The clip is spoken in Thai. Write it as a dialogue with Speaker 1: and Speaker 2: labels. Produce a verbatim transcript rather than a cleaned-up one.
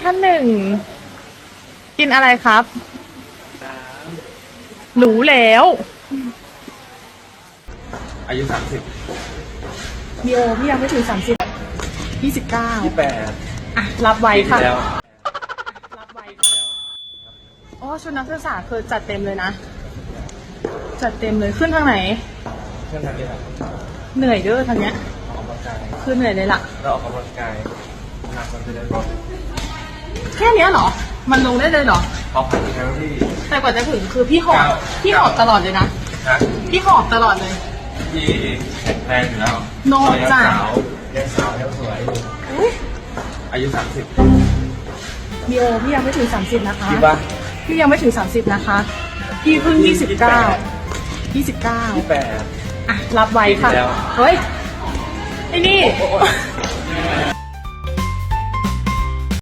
Speaker 1: ท่านหนึ่งกินอะไรครับรู้แล้ว
Speaker 2: อายุสามสิบ
Speaker 1: มีโอพี่ยังไม่ถึงสามสิบยี่สิบเก้า
Speaker 2: ยี่สิบแปด
Speaker 1: อ่ะรับไว้ค่ะ
Speaker 2: แล้ว
Speaker 1: รับไว้ค่ะอ๋อชุดนักศึกษาคือจัดเต็มเลยนะจัดเต็มเลยขึ้นทางไหน
Speaker 2: เพื่อนทางนี้ครับ
Speaker 1: เหนื่อยเด้อทางเนี้ย
Speaker 2: ออกกำลังกาย
Speaker 1: คือเหนื่อยเลยล่ะ
Speaker 2: เราออกกำลังกายหนักมันจะได้ลด
Speaker 1: แค่เนี้ยเหรอมันลงได้เลยเหรอ
Speaker 2: พอผ่านแคลอรี่
Speaker 1: แต่กว่าจะถึงคือพี่หอบพี่หอบตลอดเลยนะพี่หอบตลอดเลย
Speaker 2: พี่แข็งแรงอยู่แล้ว
Speaker 1: โน่จ้ะ
Speaker 2: ยังสาวยังสวยอายุสามสิบ
Speaker 1: มีโอพี่ยังไม่ถึงสามสิบนะคะ
Speaker 2: พี่ว่า
Speaker 1: พี่ยังไม่ถึงสามสิบนะคะพี่เพิ่งยี่สิบเก้ายี่สิบเก้า
Speaker 2: ยี่สิบแปด
Speaker 1: อ่ะรับไว้ค่ะเฮ้ยไอ้นี่